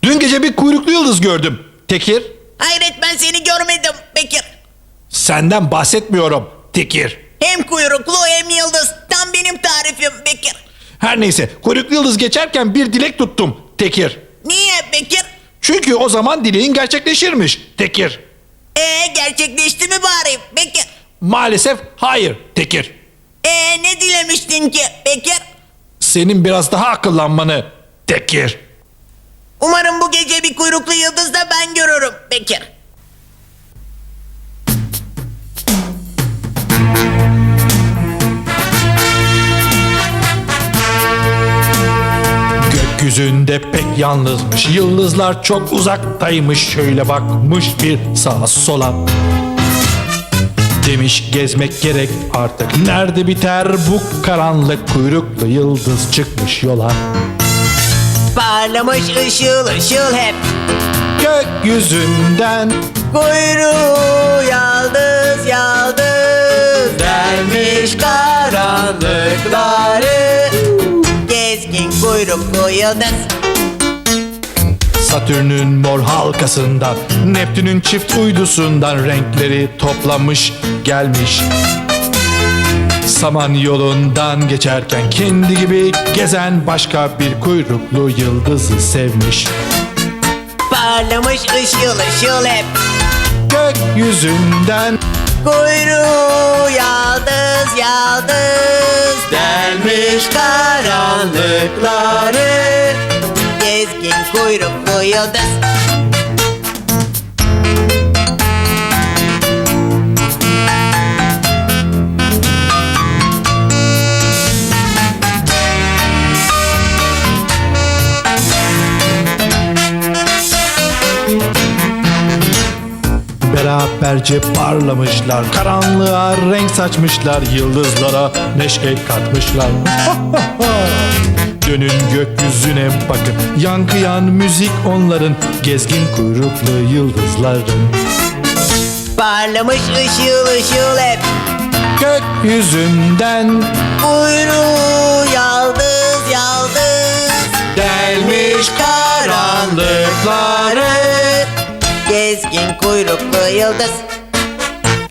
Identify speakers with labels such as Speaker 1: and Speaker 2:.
Speaker 1: Dün gece bir kuyruklu yıldız gördüm Tekir.
Speaker 2: Hayret, ben seni görmedim Bekir.
Speaker 1: Senden bahsetmiyorum Tekir.
Speaker 2: Hem kuyruklu hem yıldız. Tam benim tarifim Bekir.
Speaker 1: Her neyse, kuyruklu yıldız geçerken bir dilek tuttum Tekir.
Speaker 2: Niye Bekir?
Speaker 1: Çünkü o zaman dileğin gerçekleşirmiş Tekir.
Speaker 2: Gerçekleşti mi bari Bekir?
Speaker 1: Maalesef hayır Tekir.
Speaker 2: Ne dilemiştin ki Bekir?
Speaker 1: Senin biraz daha akıllanmanı Tekir.
Speaker 2: Umarım bu gece bir kuyruklu yıldız da ben görürüm Bekir.
Speaker 1: Gökyüzünde pek yalnızmış, yıldızlar çok uzaktaymış. Şöyle bakmış bir sağa sola. Demiş gezmek gerek artık, nerede biter bu karanlık? Kuyruklu yıldız çıkmış yola.
Speaker 2: Parlamış ışıl ışıl hep.
Speaker 1: Gökyüzünden
Speaker 2: Kuyruğu yaldız yaldız delmiş karanlıkları. Gezgin kuyruklu yıldız.
Speaker 1: Satürn'ün mor halkasından, Neptün'ün çift uydusundan renkleri toplamış gelmiş. Saman yolundan geçerken kendi gibi gezen başka bir kuyruklu yıldızı sevmiş.
Speaker 2: Parlamış ışıl ışıl hep.
Speaker 1: Gökyüzünden
Speaker 2: Kuyruğu yaldız yaldız delmiş karanlıkları. Gezgin kuyruklu yıldız.
Speaker 1: beraberce parlamışlar, karanlığa renk saçmışlar, yıldızlara neşe katmışlar. Dönün gökyüzüne bakın, yankıyan müzik onların, gezgin kuyruklu yıldızların.
Speaker 2: Parlamış ışıl ışıl hep.
Speaker 1: Gökyüzünden
Speaker 2: Kuyruğu yaldız yaldız
Speaker 1: delmiş
Speaker 2: karanlıkları. Gezgin kuyruklu yıldız.